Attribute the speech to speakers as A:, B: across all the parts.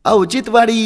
A: औचित्यवाडी.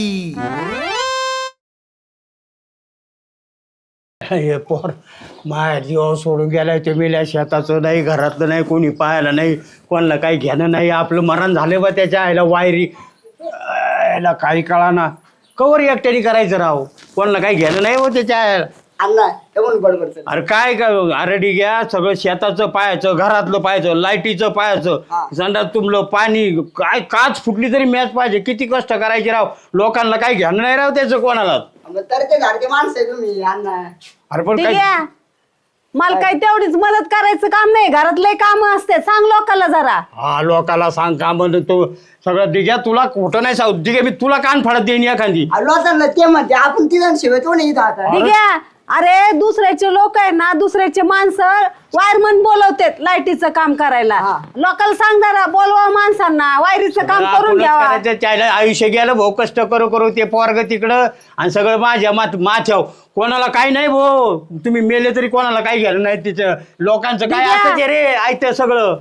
B: हे पोर माया जीवावर सोडून गेलाय ते मेल्या शेताचं नाही घरातलं नाही कोणी पाहायला नाही कोणाला काही घेणं नाही आपलं मरण झालं बा त्याच्या आईला वायरी याला काही कळाना कवर एकट्याने करायचं राव कोणाला काही घेणं नाही हो त्याच्या आईला.
C: अण्णा तेवढं बडबड चल.
B: अरे काय अरे घ्या सगळं शेताचं पाहायचं घरातलं पाहायचं लाईटीचं पाहायचं संडास तुंबलं पाणी काय काच फुटली तरी मॅच पाहिजे किती कष्ट करायचे राव लोकांना काही घेणं नाही राव त्याचं कोणाला.
C: मग तर ते घरचे माणसं आहे तुम्ही अण्णा.
B: अरे पण
D: ठीक
B: काय
D: आहे मला काही तेवढीच मदत करायचं काम नाही घरातले काम असते सांग लोकांना जरा.
B: हा लोकाला सांग का म्हणतो तो सगळं दिघ्या तुला कुठं नाही सांगू दिघ्या मी तुला कान फाडत देईन एखादी.
C: लोकांना ते म्हणते आपण तिथं शिवाय नाही इथं आता.
D: ठीक आहे अरे दुसऱ्याचे लोक आहे ना दुसऱ्याचे माणसं वायरमन बोलवतात लाईटीचं काम करायला लोकांना सांग जरा बोलवा माणसांना वायरीचं काम करून
B: आपणच
D: घ्यावा.
B: करायचं, त्याला आयुष्य गेलं भाऊ कष्ट करू करू ते पोरग तिकडं आणि सगळं माझ्या माझ्याव कोणाला काही नाही भाऊ तुम्ही मेले तरी कोणाला काही घ्यायला नाही तिचं लोकांचं काय
D: दिघ्या.
B: असं रे ऐकतं सगळं.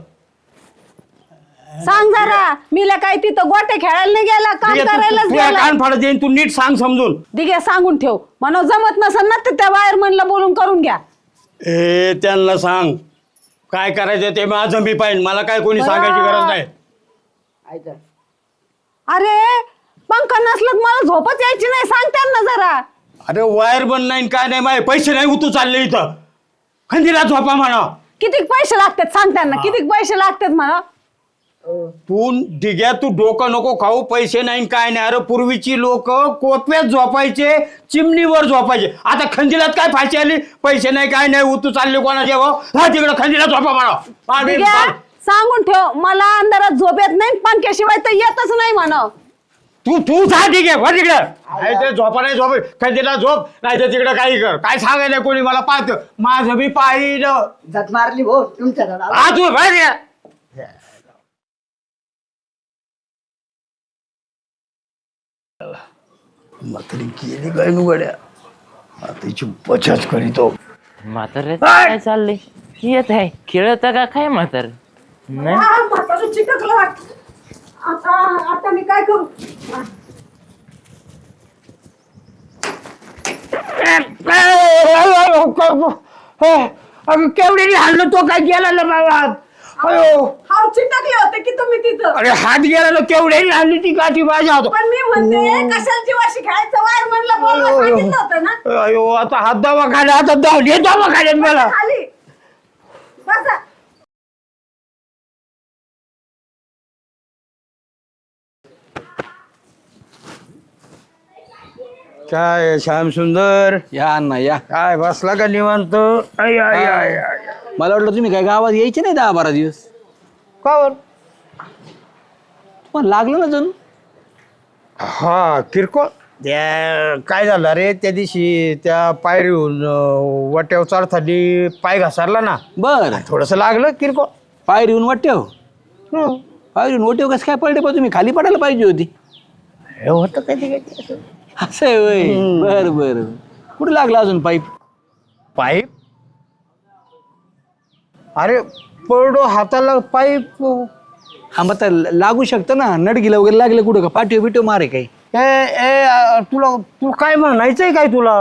D: सांग जरा मीला काय तिथं गोटे खेळायला नाही गेला काम
B: दिघ्या,
D: करायलाच
B: तुला
D: गेला.
B: कान फाडत देईन तू नीट सांग समजून.
D: दिघ्या सांगून ठेव म्हणून जमत नसेल ना तर त्या वायरमनला बोलून करून घ्या.
B: ए त्यांना सांग काय करायचं ते माझं मी पाहिजे मला काय कोणी सांगायची गरज नाही.
C: ऐका.
D: अरे पंखा नसलं तर मला झोपच यायची नाही सांग त्यांना जरा.
B: अरे वायर बंद नाही काय नाही माझे पैसे नाही उतू चालले इथं खंदीला झोपा म्हणा.
D: किती पैसे लागतात सांग त्यांना किती पैसे लागतात म्हणा.
B: तू दिघ्या तू डोकं नको खाऊ पैसे नाही काय नाही. अरे पूर्वीची लोक कोपऱ्यात झोपायचे चिमणीवर झोपायचे आता खंदिलात काय फाशी आली पैसे नाही काय नाही उतू चालले कोणाचे भाऊ हा तिकडं खंदिला झोपा म्हणा.
D: ठीक आहे? सांगून ठेव मला अंधारात झोप येत नाही पंख्याशिवाय तर येतच नाही म्हणा.
B: तू तू जा ठीक आहे वर तिकडं नाही ते झोपा नाही झोप खंदीला झोप नाही तर तिकडं काही कर काय सांगायला कोणी मला पाहतं माझं बी पाहिलं
C: झट मारली भाऊ तुमच्या दादा.
B: हा तू बाहेर म्हातारी गेली काय नुगड्या आता तिची बचत करीतो.
E: म्हातारे काय चाललंय येत आहे खेळत का काय म्हातार नाही
D: म्हातारं चिकटलं वाटतं. आता मी काय करू.
B: अगं केवढी हल्लो तो काय गेला ना बाबा अयो
D: हाव चिटकले होते की तुम्ही तिथं.
B: अरे हात गेला ना केवढी हल्ली ती काठी माझ्या हात.
D: पण मी म्हणते कशाला जीवाशी खेळायचं वायरमनला बोलवा सांगितलं होतं ना.
B: अयो आता हात दवाखान्यात आता धावली दवाखान्यात मला.
D: खाली बसा.
B: काय श्याम सुंदर
F: या अण्णा या
B: काय बसला का निवांत. आय, आय, आय, आय.
F: मला वाटलं तुम्ही काय गावात यायचे नाही 10-12 दिवस
B: का बर
F: पण लागलं ना जणू.
B: हा किरकोळ त्या काय झालं रे त्या दिवशी त्या पायरीहून वाट्यावर चढताना पाय घसरला ना
F: बर
B: थोडस लागलं किरकोळ.
F: पायरीहून वाटेव पायरीहून वाटेव कसं काय पडले पण तुम्ही खाली पडायला पाहिजे होती.
B: हे होतं कधी कधी
F: असं आहे होय बर बर कुठे लागला अजून पाईप.
B: पाईप अरे पडो हाताला पाईप.
F: हा मग तर लागू शकतं ना नडगीला वगैरे लागलं कुठं का पाठीव बिठीव मारे काही.
B: तुला तू काय म्हणायचंय काय तुला.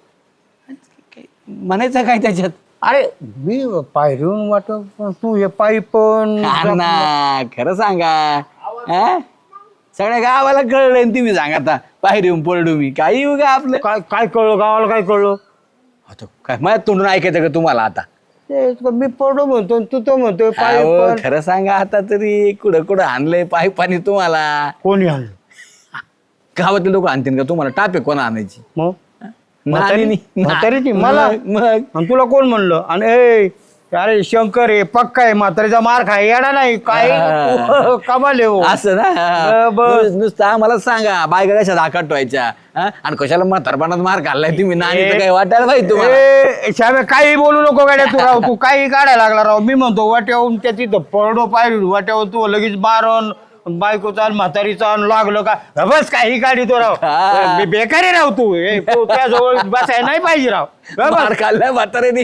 F: म्हणायचं काय त्याच्यात.
B: अरे मी पायरीहून वाट तू हे पाईप
F: अण्णा खरं सांगा हा? सगळ्या गावाला कळलंय आणि तुम्ही सांगा आता पायरीहून पडू मी काही उगा आपलं
B: काय काय कळलं गावाला काय कळलं.
F: आता काय माझ्या तोंडून ऐकायचं का तुम्हाला आता.
B: मी पडो म्हणतो तू तो म्हणतोय
F: अहो,
B: पाईप.
F: खरं सांगा आता तरी कुठं कुठं आणलंय पाईप पाणी तुम्हाला.
B: कोणी आणलं
F: गावातले लोक आणतील का तुम्हाला टापे कोणा आणायची.
B: मग
F: नानी-
B: म्हातारीची मला
F: मग
B: आणि तुला कोण म्हणलं आणि ए अरे शंकर आहे पक्का आहे म्हातारीचा मार खाय येणार नाही काय कमाल आहे हो.
F: असं ना
B: बस.
F: नुसतं आम्हाला सांगा बायका कशा धाकाट व्हायच्या हा? आणि कशाला म्हातारपणात मार खाल्लाय तुम्ही नानी काही वाटायला पाहिजे तुम्हाला.
B: ए, श्यामे काही बोलू नको गाड्या तू राव तू काही काढायला लागला राव मी म्हणतो वाट्यावरून त्या तिथं पडो पाय वाट्यावर तू लगेच मारण बायकोचा आणि म्हातारीचा आणि लागलं का बस काही गाडी तो राव बेकारी राव तू त्याजवळ बसायला नाही पाहिजे राव
F: मार खाल्लाय म्हाताऱ्याने.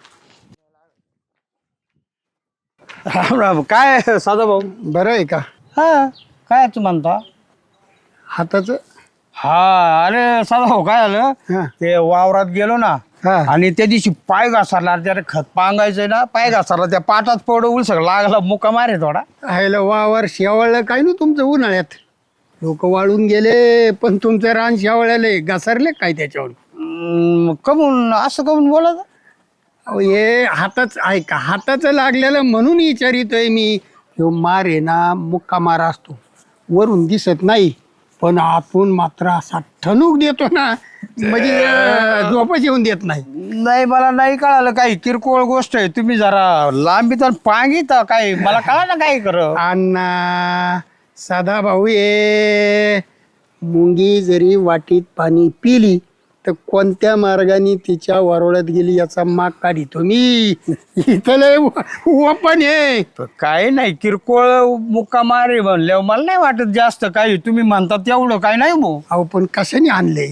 B: राम राम काय साधा भाऊ
G: बरं आहे का.
B: हा काय तू म्हणता
A: हाताचं
B: हा अरे साधा हो काय
A: हा.
B: झालं ते वावरात गेलो ना
A: हा.
B: आणि त्या दिवशी पाय घासारला त्याला खत पांगायचंय ना पाय घासारला त्या पाटात पड उलसक लागला मुका मारे थोडा
A: हायला वावर शेवळलं काय ना तुमचं उन्हाळ्यात लोक वाळून गेले पण तुमचं रान शेवळले घसरले काय त्याच्यावर
B: कमून असं कमून बोलत
A: अहो हे हाताच ऐका हाताचं लागलेलं म्हणून विचारितोय मी ह्यो मार आहे ना मुक्का मार असतो वरून दिसत नाही पण आपण मात्र असा ठणूक देतो ना म्हणजे झोपच येऊन देत नाही.
B: नाही मला नाही कळालं काही किरकोळ गोष्ट आहे तुम्ही जरा लांबी तर पांगित काय मला कळा ना काय कर
A: अण्णा साधा भाऊ ये मुंगी जरी वाटीत पाणी पिली तर कोणत्या मार्गाने तिच्या वरोळ्यात गेली याचा माग काढितो मी. इथं लय ओपन आहे.
B: काय नाही किरकोळ मुक्का मारे म्हणल्यावर मला नाही वाटत जास्त काही तुम्ही म्हणता तेवढं काय नाही भाऊ
A: अहो पण कशाने आणले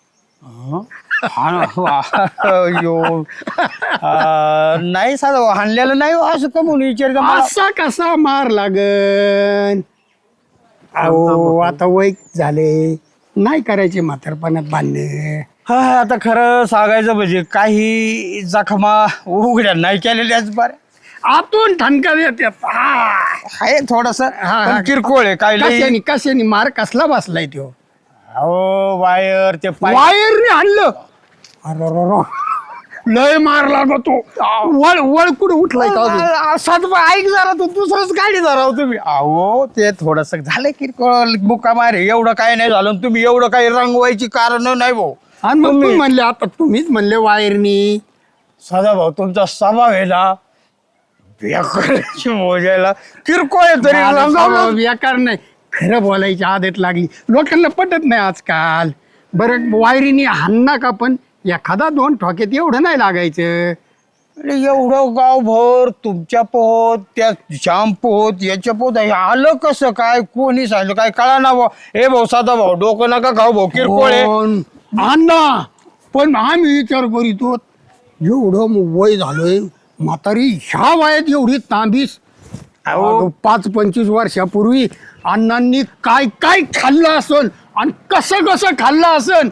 B: नाही साधं हाणलेलं नाही हो, असं कमून विचार
A: असा कसा मार लागन अहो आता वय झाले नाही करायचे म्हातारपणात बांधणे.
B: हा आता खरं सांगायचं म्हणजे काही जखमा उघड्या नाही केलेल्याच बऱ्या
A: आतून ठणका देतात
B: आहे थोडस किरकोळ आहे काय लई-
A: कशाने कशाने मार कसला बसलाय तो
B: अहो वायर ते पाय
A: वायरने आणलं अरे लय मार लागतो वळ वळ कुठे उठलाय का अजून?
B: सात ऐक जरा तू दुसरंच गाडी जरा तुम्ही अहो ते थोडस झालं किरकोळ मुक्का मारे एवढं काय नाही झालं तुम्ही एवढं काही रंगवायची कारण नाही भाऊ
A: आणि मग तुम्ही म्हणले आता तुम्हीच म्हणले वायरनी
B: सदा भाऊ तुमचा स्वभाव आहे ना बेकाराची मोजायला किरकोळ आहे तरी रंगवलं.
A: बेकार नाही खरं बोलायची आदत लागली लोकांना पटत नाही आजकाल. बरं वायरीनी हाणना का पण एखादा दोन ठोक्यात एवढं नाही लागायचं.
B: अरे एवढं गावभर तुमच्या पोहोत त्या श्याम पोहोत याच्या पोहोत हे आलं कसं काय कोणी सांगितलं काय कळा ना भाऊ हे भाऊ साधा भाऊ डोकं नका खाऊ भाऊ किरकोळ आहे
A: पण अण्णा पण आम्ही विचार करीतो एवढं वय झालंय म्हातारी ह्या वयात एवढी तांबीस. अहो 5-25 वर्षापूर्वी अण्णांनी काय काय खाल्लं असन आणि कसं कसं खाल्लं असन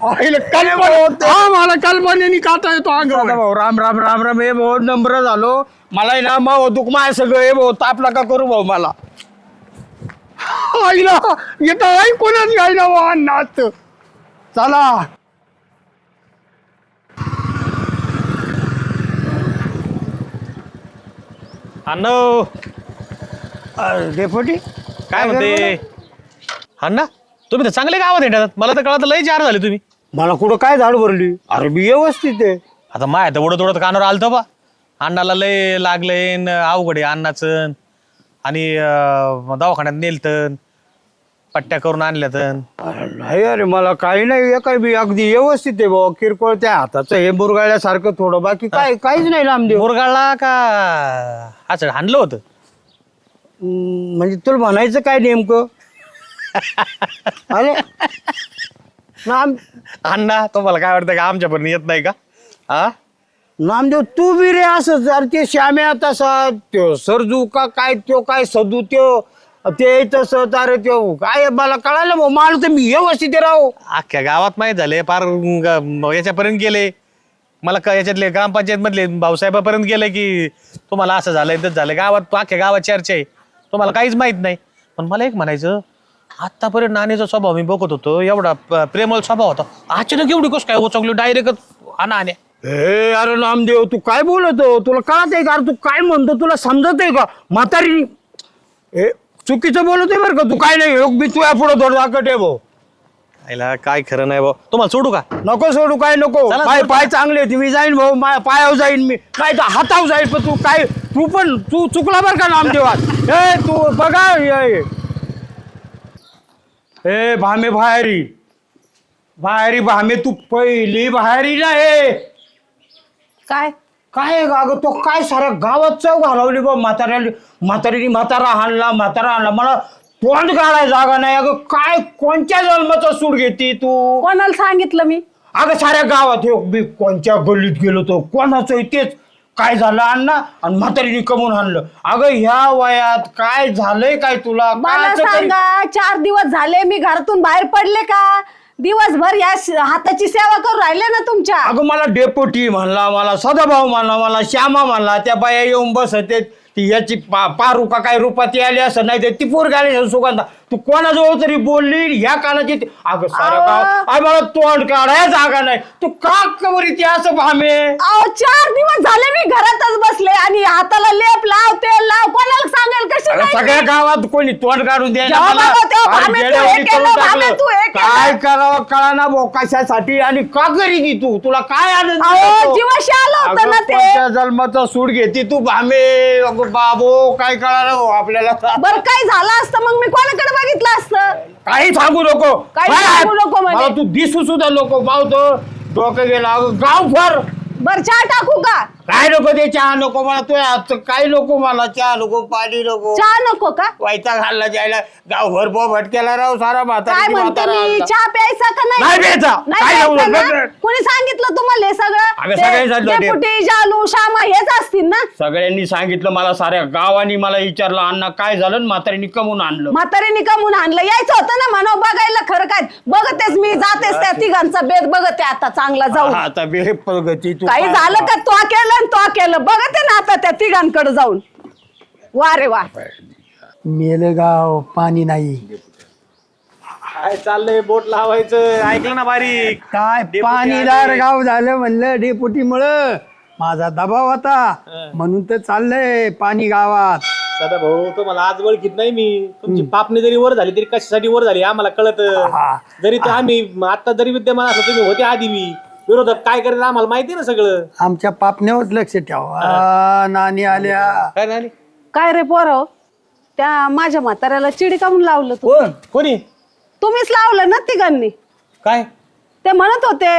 A: मला कल्पनेने खाता येतो
B: साधा
A: अंगावर.
B: भाऊ राम राम राम राम हे भाऊ नम्र झालो मला ना माव दुख माय सगळं हे भाऊ ताप नका करू भाऊ मला
A: आईला येतं ऐकूनच घ्यायला वा अण्णा असतं. चला
G: अण्णा
B: डेपोटी
G: काय म्हणते अण्णा तुम्ही तर चांगले गावात येतात मला तर कळत लय जार झाले तुम्ही
B: मला कुठं काय झाड भरली अरे मी व्यवस्थित आहे
G: आता माय तर ओढत ओढत कानावर आलतं बा अण्णाला लय लागलंय अवघड आहे अण्णाचं आणि दवाखान्यात नेलतन पट्ट्या करून आणल्यातन
B: अरे नाही अरे मला काही नाही काय मी अगदी व्यवस्थित आहे भाऊ किरकोळ त्या हाताचं हे मुरगाळल्यासारखं थोडं बाकी काय काहीच नाही रामदेव
G: मुरगाळला का अच्छा हाणलं होतं
B: म्हणजे तुला म्हणायचं काय नेमकं अरे नाम
G: अण्णा तुम्हाला काय वाटतं का आमच्यापर्यंत येत नाही का हा
B: नामदेव तू बी रे असं जर ते श्याम्या तसा त्यो सरजू का काय त्यो काय सदू त्यो ते तसं अरे त्यो काय मला कळालं भाऊ मला तर मी व्यवस्थित राहू
G: अख्ख्या गावात माहीत झाले पार याच्यापर्यंत गेले मला याच्यातले ग्रामपंचायत मधले भाऊसाहेबापर्यंत गेले की तुम्हाला असं झालंय तसं झालंय गावात अख्ख्या गावात चर्चा आहे तुम्हाला काहीच माहित नाही पण मला एक म्हणायचं आतापर्यंत नाणीचा स्वभाव मी बघत होतो एवढा प्रेमळ स्वभाव होता अचानक एवढी गोष्ट काय उचकली डायरेक्ट आणा
B: हे अरे नामदेव तू काय बोलतो तुला कळत आहे का अरे तू काय म्हणतो तुला समजत आहे का म्हातारी हे चुकीचं बोलतोय बरं का तू काय नाही मी तुझ्या पुढे थोडं दाखवत आहे भाऊ
G: आईला काय खरं नाही भाऊ तुम्हाला सोडू का
B: नको सोडू काय नको
G: चला,
B: पाय
G: सोडू
B: पाय
G: का?
B: चांगले आहेत. मी जाईन भाऊ पायावर जाईन मी काय तर हातावर जाईन पण तू चुकला बरं का नामदेवात हे तू बघा हे भामे बाहेरी भामे तू पहिली बाहेरी ना हे
D: काय
B: काय अगं तो काय साऱ्या गावात चव घालवली बा म्हातारीने म्हातारा हाणला मला तोंड काढाय जागा नाही अगं काय कोणत्या जन्माचा सूड घेते तू
D: कोणाला सांगितलं मी
B: अगं साऱ्या गावात हे मी कोणत्या गल्लीत गेलो तो कोणाचं तेच काय झालं अण्णा आणि म्हातारीने कमवून आणलं. अगं ह्या वयात काय झालंय काय तुला काय
D: मला
B: असं काही-
D: सांगा 4 दिवस झाले मी घरातून बाहेर पडले का? दिवसभर या हाताची सेवा करून राहिले ना तुमच्या.
B: अगं मला डेपोटी म्हणला, मला सदाभाऊ म्हणला, मला श्यामा म्हणला, त्या बाया येऊन बसते ती याची पारू का काय रूपात आली असं नाही ती पोरगी आली सुगंधा. तू कोणाजवळ तरी बोलली ह्या कानाची अगं सारं गाव अरे मला तोंड काढाय जागा नाही. तू का बरी ती असं भामे?
D: अहो 4 दिवस झाले मी घरातच बसले आणि हाताला लेप लाव तेल लाव कोणाला सांगेल कशी
B: अगं
D: जायची?
B: सगळ्या गावात कोणी तोंड काढून द्यायला
D: जेव्हा
B: मला.
D: बघा तेव्हा
B: अरे
D: भामे तू
B: जेड्यावानी
D: हे केलं,
B: करून
D: भामे
B: टाकलं.
D: तू हे केलं.
B: काय करावं कळाना भाऊ कशासाठी आणि का करी ती तुला काय आनंद
D: अहो
B: मिळतो?
D: जीवाशी आलं होतं ना
B: अगं,
D: ते.
B: कोणत्या जन्माचा सूड घेते तू भामे? अगं बाबो काय कळालं भाऊ आपल्याला?
D: बरं काय झालं असतं मग मी कोणाकडे बघितलं असतं?
B: काही सांगू नको.
D: काही
B: काय?
D: सांगू नको म्हणजे?
B: मला तू दिसू सुद्धा नको पावतो डोकं गेला अगं गाव फर.
D: बरं चहा टाकू का?
B: काय नको ते चहा नको मला तू आजचं काय नको मला चहा नको पाणी नको.
D: चहा नको का?
B: वायता घालला जायला गावभर बोभट केला राव सारा म्हातारा
D: काय म्हणते मी चहा प्यायचा का
B: नाही
D: नाही?
B: प्यायचा.
D: नाही
B: काय
D: प्यायचा
B: लावलं?
D: ना?
B: बघ.
D: कोणी सांगितलं तुम्हाला हे
B: अगं,
D: सगळं?
B: सगळे सांगितलं ते.
D: डेपुटी जालू श्यामा हेच असतील ना?
B: सगळ्यांनी सांगितलं मला साऱ्या गावानी मला विचारलं अण्णा काय झालं आणि म्हातारीने कमवून आणलं.
D: म्हातारीने कमून आणलं यायचं होतं ना म्हणा बघायला खरं काय बघतेच मी जातेच त्या तिघांचा बेद बघते आता चांगला जाऊ.
B: आता बे प्रगती तू
D: काही
B: काय-
D: झालं का तो केलं आणि तो केलं बघते ना आता त्या तिघांकडे जाऊन. वा रे वा.
A: मेलं गाव पाणी नाही.
G: काय चाललंय बोट लावायचं ऐकलं ना बारीक.
A: काय पाणीदार गाव झालं म्हणलं डेपुटीमुळं. माझा दबाव होता म्हणून तर चाललंय पाणी गावात.
G: सदा भाऊ तुम्हाला आज ओळखीत नाही मी. तुमची पापणी जरी वर झाली तरी कशासाठी वर झाली आम्हाला कळत. जरी ते आम्ही आता जरी विद्यमान असलो तुम्ही होते आधी मी विरोधक काय करेल आम्हाला माहिती ना सगळं.
A: आमच्या पापण्यावरच लक्ष ठेवा. नानी आल्या.
G: काय झाली
D: काय रे पोरं त्या माझ्या म्हाताऱ्याला चिडी कामून लावलं तू?
G: कोणी
D: तुम्हीच लावलं ना तिघांनी.
G: काय
D: ते म्हणत होते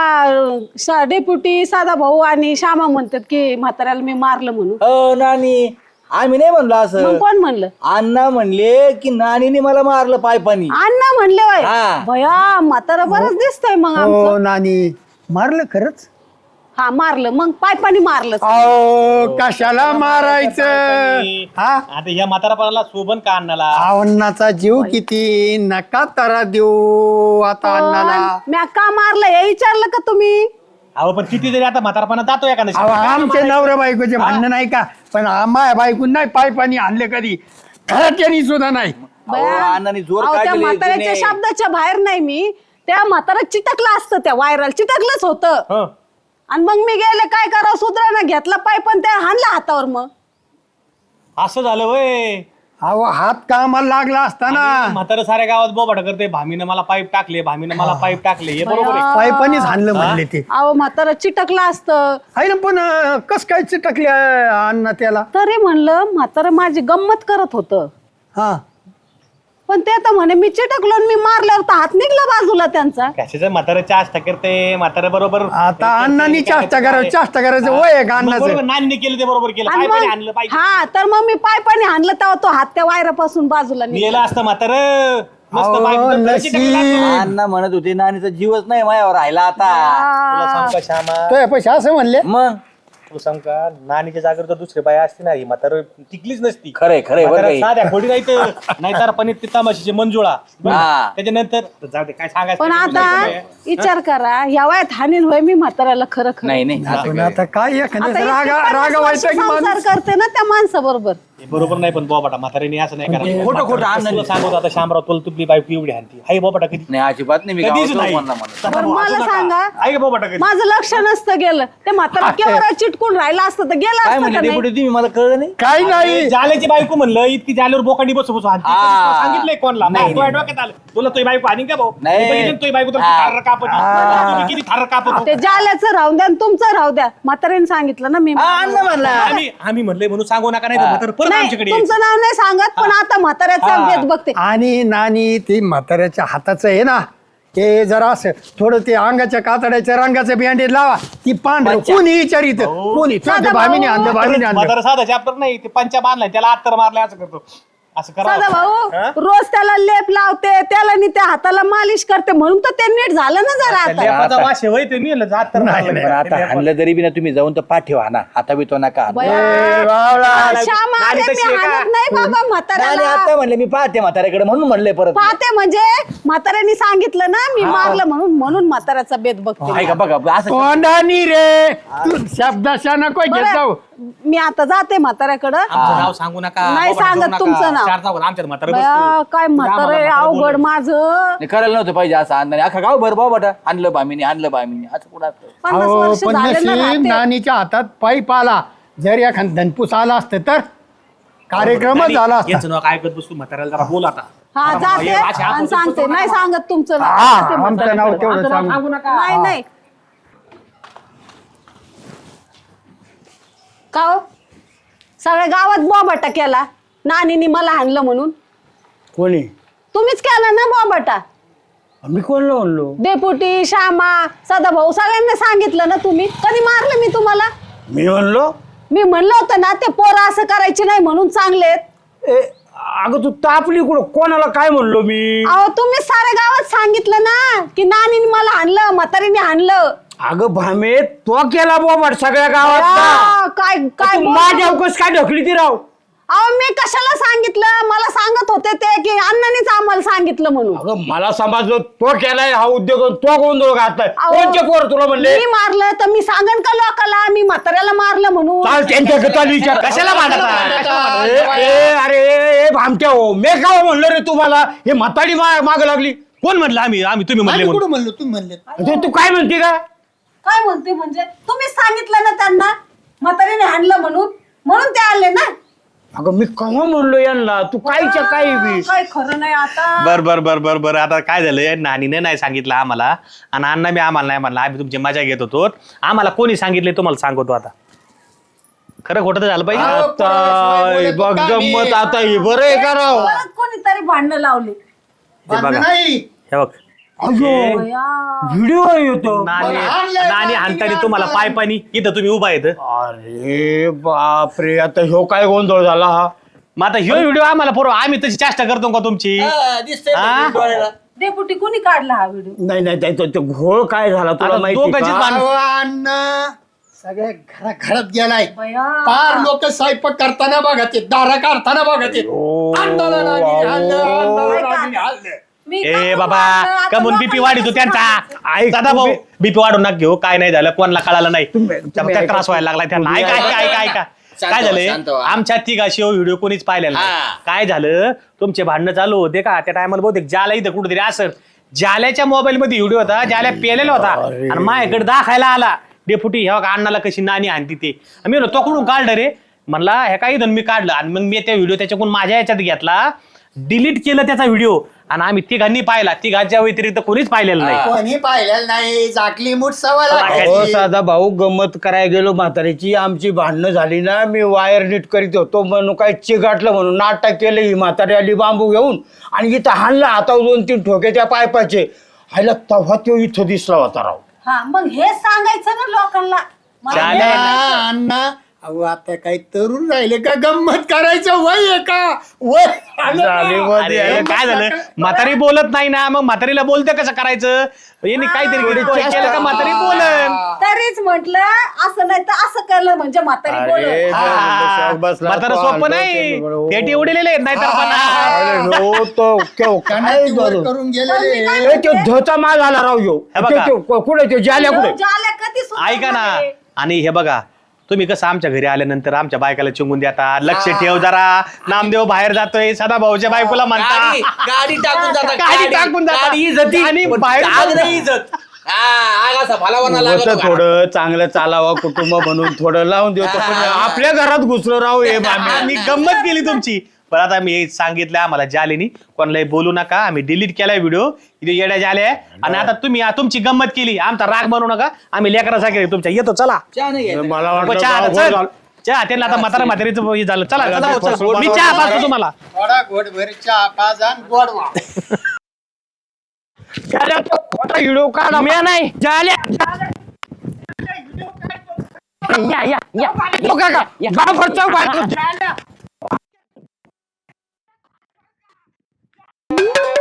D: का डेप्युटी साधा भाऊ आणि श्यामा म्हणतात की म्हाताऱ्याला मी मारलं म्हणून.
F: नानी आम्ही नाही म्हणलो
D: मग
F: असं.
D: कोण म्हणलं?
F: अण्णा म्हणले की नानीने मला मारलं पायपानी.
D: अण्णा म्हणले होय.
F: हा.
D: भया म्हातारा बरंच दिसतंय मग
A: हो
D: आमचं.
A: नानी मारलं खरंच.
D: हा मारलं मग पायपानी मारलं.
A: अहो कशाला मारायचं? हा
G: आता या म्हातारापणाला शोभन का अन्नाला?
A: अण्णाचा जीव किती नका तारा देऊ आता अण्णाला.
D: म्या का मारलं हे विचारलं का तुम्ही?
G: अहो पण किती जरी आता म्हातारपणा जातो एखाद्या
A: अहो, आमचे नवऱ्या बायकोचे म्हणणं नाही का पण आम्हा बायकून नाही पाय पाणी आणले कधी घरात सुद्धा नाही.
D: बया,
F: अण्णांनी जोर
D: अहो, त्या
F: काढले
D: म्हाताऱ्याच्या
F: जुने.
D: शब्दाच्या बाहेर नाही मी. त्या म्हातारा चिटकलं असतं त्या वायरल चिटकलंच होतं.
G: हं.
D: आणि मग मी गेले काय करावं सुधराना घेतला पाय पण त्या हाणला हातावर मग.
G: असं झालं वय.
A: अहो हात कामाला लागला असताना
G: म्हातारा साऱ्या गावात बोबाटा करते भामीनं मला पाईप टाकले भामीनं मला पाईप टाकले हे बरोबर आहे.
A: पाय पाणीच हाणलं म्हणले ते.
D: अहो म्हातारा चिटकला असतं
A: आहे ना पण कस काय चिटकले अण्णा त्याला.
D: तरी म्हणलं म्हातारा माझी गंमत करत होतं.
A: हा
D: पण ते तर म्हणे मी चिटकलो आणि मी मारल्यावर तर हात निघला बाजूला त्यांचा.
G: कशाचं म्हातारा चाष्टा करते म्हातारा बरोबर.
A: आता अण्णांनी चाष्टा करायचं चाष्टा करायचं वय आहे का अण्णाचं.
G: नानीने केलं ते बरोबर केलं
D: आणि
G: पाय
D: मग-
G: आणलं पाहिजे.
D: हा तर मग मी पाय पाणी हाणलं तेव्हा तो हात त्या वायरापासून बाजूला निघाला.
G: गेलं असतं म्हातार मस्त
A: अहो,
G: बायको तर
A: नशीब.
G: चिटकलं असतं.
F: अण्णा म्हणत होते नानीचा जीवच नाही माझ्यावर राहिला आता.
G: तुला सांग का श्यामा
A: तो पैसे असं म्हणले.
F: मग
G: तुला सांग का नानीच्या जागेवर जर दुसरी बाई असती ना ही म्हातार टिकलीच नसती.
F: खरंय खरंय बरं
G: म्हातारा
F: काही.
G: साध्या खोडी नाहीतर पनीर ते तमाशीचे मंजुळा
F: हा.
G: त्याच्यानंतर जाऊ दे काय सांगायचं
D: पण आता विचार करा या वयात हानीन होय मी म्हाताऱ्याला खरं खरं.
F: नाही नाही असं
A: पण
F: काय.
A: आता काय
D: आता
A: एखाद्या
D: इतके
A: रागा
D: 50
A: रागा
D: वर्ष
A: व्हायचा की
D: संसार
A: माणूस.
D: करते ना त्या माणसाबरोबर.
G: हे बरोबर नाही पण बोबाटा म्हातारीने असं नाही करायचं.
F: खोटं खोटं
G: म्हातारं
F: आणलं.
G: तुला सांगतो आता शामराव तुला तुझी बायको एवढी हानती हाय बोबाटा कधी
F: नाही अजिबात नाही मी
G: कधीच
F: गावात
G: नाही.
F: कोणाला म्हणत.
G: तसा
D: बरं
G: भाऊ असू
D: मला
G: नका.
D: सांगा
G: आहे का बोबाटा कधी
D: माझं लक्ष नसतं गेलं ते म्हातारा केवढा चिटकून राहिला असतं तर गेला
F: काय
D: असतं
F: म्हणले
D: का
F: ते
D: नाही?
F: पुढे तुम्ही मला कळलं नाही.
A: काही नाही.
G: जाल्याची बायको म्हणलं इतकी जाल्यावर बोकांडी बसू बसू हाणती.
F: हा.
G: तुला सांगितलंय कोणला
F: नाही,
G: तुझ्या डोक्यात आलं तुला तुझी बायको हानी का भाऊ
F: नाही.
G: मी बघितलं ना तुझी बायको तर
F: हा.
G: थार कापत तुम्ही किती थार कापत
D: ते जाल्याचं राहून द्या आणि तुमचं राहू द्या. म्हाताऱ्याने सांगितलं ना मी.
F: हा, अण्णा म्हणला.
G: आम्ही म्हणले म्हणून सांगू नका नाही तर म्हातारं परत
D: नाही
G: आमच्याकडे येईल.
D: तुमचं नाव नाही सांगत पण आता म्हाताऱ्याचा भेद बघते.
A: आणि नानी ती म्हाताऱ्याच्या हाताचं आहे ना ते जरा असं थोडं ते अंगाच्या कातड्याच्या रंगाचं बँडेज लावा ती पांढरं कोणी विचारित कोणी
D: साधा
A: भामीने आणलं भामीने आणलं.
G: म्हातारं साधा चॅप्टर नाही ते पंचा बांधलाय त्याला आत्तर मारलाय असं करतो असं करा
D: सदा भाऊ
G: हा?
D: रोज त्याला लेप लावते त्याला नी त्या हाताला मालिश करते म्हणून तर ते नीट झालं ना जरा आता
G: लेपाचा वास आहे, होय ते मी जात तर नाही.
F: पण आता हाणलं तरी बी ना तुम्ही जाऊन तर पाठीवा ना हाता बितो नका हाणू.
D: बया, श्यामा,
G: नानी
D: अरे
G: तशी
D: मी
G: आहे का?
D: हाणत नाही बाबा
F: नाही,
D: म्हाताऱ्याला
F: आता म्हणले मी पाहते म्हाताऱ्याकडे म्हणून म्हणले परत
D: पाहते म्हणजे म्हाताऱ्याने सांगितलं ना मी मारलं म्हणून म्हाताऱ्याचा बेत बघते
F: आहे का बघा असं
A: तोंडानी रे तू शब्दाशा नको घेत जाऊ
D: बरं, मी आता जाते म्हाताऱ्याकडं
G: आमचं नाव सांगू नका
D: नाही
G: बाबा, सांगू
D: सांगत
G: नका.
D: तुमचं नाव.
G: चार चौघात आमच्यात म्हातारं
D: बया,
G: बसतो.
D: काय म्हातारं आहे, अवघड माझं
F: नाही, करायला नव्हतं पाहिजे असं आणलं अख्खा गाव भर बाबा आणलं बामीने आणलं बामीने असं कुठं असतं?
D: 50
A: अहो,
D: वर्ष
A: पण
D: झाले ना
A: नशीब
D: राहते.
A: नानीच्या हातात पाईप आला जर एखाद धनपूस आला असतं तर कार्यक्रमच
G: नानी,
A: झाला असता
G: यांचं नाव काय करत बसतो म्हाताऱ्याला जरा बोल आता.
D: हा जाते आणि सांगते नाही सांगत तुमचं नाव.
A: हा
D: जाते
A: आमचं नाव
D: म्हाताऱ्याकडं.
A: तेवढं सांगू
D: नाही नाही का हो? सगळ्या गावात बोबाटा केला नानीनी मला हाणलं म्हणून
B: कोणी
D: तुम्हीच केला ना बोबाटा
B: मी कोणला म्हणलो
D: डेपुटी श्यामा सदाभाऊ सगळ्यांना सांगितलं ना तुम्ही कधी मारलं मी तुम्हाला
B: मी म्हणलो
D: मी म्हणलं होतं ना ते पोरं असं करायचे नाही म्हणून चांगलेत
B: ए अगं तू तापली कुठं कोणाला काय म्हणलो मी
D: अहो तुम्ही साऱ्या गावात सांगितलं ना की नानीने मला हाणलं म्हातारीने हाणलं
B: अगं भामे तो केला बोबाट सगळ्या गावात
D: आ, काय काय
B: तू माझ्या अवकाश काय ढकली ती राव
D: अहो मी कशाला सांगितलं मला सांगत होते ते की अण्णांनीच आम्हाला सांगितलं म्हणून
B: अगं मला समजलं तो केलाय हा उद्योग आणि तो गोंधळ घातलाय
D: अहो,
B: कोणचे पोर तुला म्हणले
D: मी मारलं तर मी सांगन का लोकाला मी म्हाताऱ्याला मारलं म्हणून
B: चाल त्यांच्या गटाला विचार
G: कशाला भांडता?
B: ए भामट्या हो मी काय म्हणलं रे तुम्हाला हे म्हाताडी माग लागली
G: कोण म्हणलं आम्ही तुम्ही म्हणले
A: आम्ही
G: म्हणून.
A: कुठं म्हणलो तुम्ही म्हणले
B: तू काय म्हणते का
D: काय म्हणते म्हणजे तुम्ही सांगितलं ना त्यांना म्हातारीने हाणलं म्हणून ते आले ना
B: अगं मी केव्हा म्हणलो यांना तू कायच्या काय बी
D: काय खरं नाही आता
G: बर आता काय झालंय नानीने नाही सांगितलं आम्हाला आणि अण्णा मी आम्हाला नाही म्हणलं आम्ही तुमची मजा घेत होतो आम्हाला कोणी सांगितले तुम्हाला सांगतो आता खरं खोटं तर झालं पाहिजे
B: आता बघ गंमत आता हे बरं आहे का राव
D: परत कोणीतरी भांडणं लावली
G: हे बघा
A: नाही
G: हे बघ
B: व्हिडिओ येतो
G: नानी हाणतानी तुम्हाला पाय पाणी इथं तुम्ही उभा येत
B: अरे बापरे आता ह्यो काय गोंधळ झाला हा
G: मग आता ह्यो व्हिडिओ आम्हाला पुरव आम्ही तशी चेष्टा करतो का तुमची हा?
D: डेपुटी कोणी काढला हा व्हिडिओ
B: नाही तो घोळ काय झाला तुला
G: आता
B: माहिती
G: दोघांचीच
B: का?
G: भांडणं.
A: अहो, अण्णा सगळ्या घरात गेलाय
D: बया.
A: फार लोक स्वयंपाक करताना बघा ते दारा काढताना बघा ते अंधाला नानी हाणलं, अंधाला नानी हाणलं.
D: मी
G: ए
D: का
G: बाबा
D: मारलं? आता
G: कमून
D: लोकं
G: बीपी वाढीतो त्यांचा
B: ऐक,
G: दादा भाऊ
B: तुम्ही-
G: बीपी वाढून नका घेऊ काय नाही झालं कोणाला कळालं नाही
B: तुम्ही
G: त्या
B: ऐका.
G: त्रास व्हायला लागलाय त्यांना
B: तुम्ही
G: ऐका
F: शांत
G: काय
F: व्हा,
G: झालंय
F: शांत व्हा.
G: आमच्या तिघाशी व्हिडिओ कोणीच पाहिलेला नाही.
F: हा.
G: काय झालं तुमचे भांडणं चालू होते का त्या टायमाला बहुतेक ज्याला इथं कुठेतरी असं ज्याल्याच्या मोबाईल मध्ये व्हिडिओ होता ज्याला पेलेला होता आणि माझ्याकडे दाखायला आला डेपुटी ह्या बघा अण्णाला कशी नानी आणती ते मी म्हणलो तो कुठून काढलं रे म्हणला हे काही मी काढलं आणि मग मी त्या व्हिडिओ त्याच्याकडून माझ्या याच्यात घेतला डिलीट केलं त्याचा व्हिडिओ आणि आम्ही तिघांनी पाहिला तिघांच्या व्यतिरिक्त कोणीच पाहिलेलं नाही
A: कोणी पाहिलेलं नाही झाकली मूठ सवय
B: हो
A: लागायची.
B: साधा भाऊ गंमत करायला गेलो म्हातारीची आमची भांडणं झाली ना मी वायर नीट करीत होतो म्हणून काय चिघाटलं म्हणून नाटक केलं ही म्हातारी आली बांबू घेऊन आणि इथं हाणला हातावर 2-3 ठोके त्या पायपाचे हायला तेव्हा तो इथं दिसला होता राव
D: हा मग हे सांगायचं ना लोकांना मला
G: चालेल.
A: अण्णा, अण्णा अहो आता काही तरुण राहिले का गंमत करायचं वय आहे का वय आलं
B: झाले
A: का?
B: वर
G: अरे
B: यायला.
G: काय झालं म्हातारी बोलत नाही ना मग म्हातारीला बोलते कसं करायचं यांनी काहीतरी केलं का म्हातारी बोलन
D: तरीच म्हंटल असं नाही तर असं केलं म्हणजे म्हातारी
B: अरे,
D: बोलत
B: हा. बसला
G: म्हातारा
B: तो
G: सोपं
B: आणतो
G: नाही
B: ते
G: पेटी उडलेले नाही तर
B: अरे हो तो केव
A: त्यांना
B: काय
A: ती वर
B: झालं?
A: करून गेलेले
B: ए, तो धोचा माल आला राव यो
G: हे बघा.
B: कुठे तो जाल्या कुठे
D: झाल्या कधी सुद्धा
G: ऐका ना
D: नाही.
G: आणि हे बघा तुम्ही कसं आमच्या घरी आल्यानंतर आमच्या बायकाला चिंगून देता लक्ष ठेव जरा नामदेव बाहेर जातोय सदा भाऊच्या बायकोला म्हणता
F: गाडी टाकून जाता
G: गाडी टाकून जाता.
F: गाडी इज्जती.
G: आणि
F: पण
G: बाहेर
F: आग नाही इज्जत आग असा भलावना लागतो
B: होतं थोडं चांगलं चालावं कुटुंब म्हणून थोडं लावून देतो पण आपल्या घरात घुसलो राव हे मामी
G: आम्ही गंमत केली तुमची पण आता मी सांगितलं आम्हाला जालेनी कोणालाही बोलू नका आम्ही डिलीट केलाय व्हिडिओ इथे येड्या जाले आणि आता तुम्ही तुमची गंमत केली आमचा राग बनवू नका आम्ही लेकरासाठी तुमच्या येतो चला
B: मला वाटलं
G: चहा
B: गाव
G: चल.
B: झालं.
G: चहा त्यांना आता म्हातारा म्हातारीचं हे झालं चला
B: चला,
G: चला,
B: चला.
G: मी चहा पाहतो तुम्हाला
A: थोडा घोटभर चहा पाच आणि गोड वा.
B: जाल्या, तो खोटा व्हिडिओ काढा
E: मी नाही
B: जाल्या
E: या
B: तो काका, गाव भरचा बायको.
D: आहे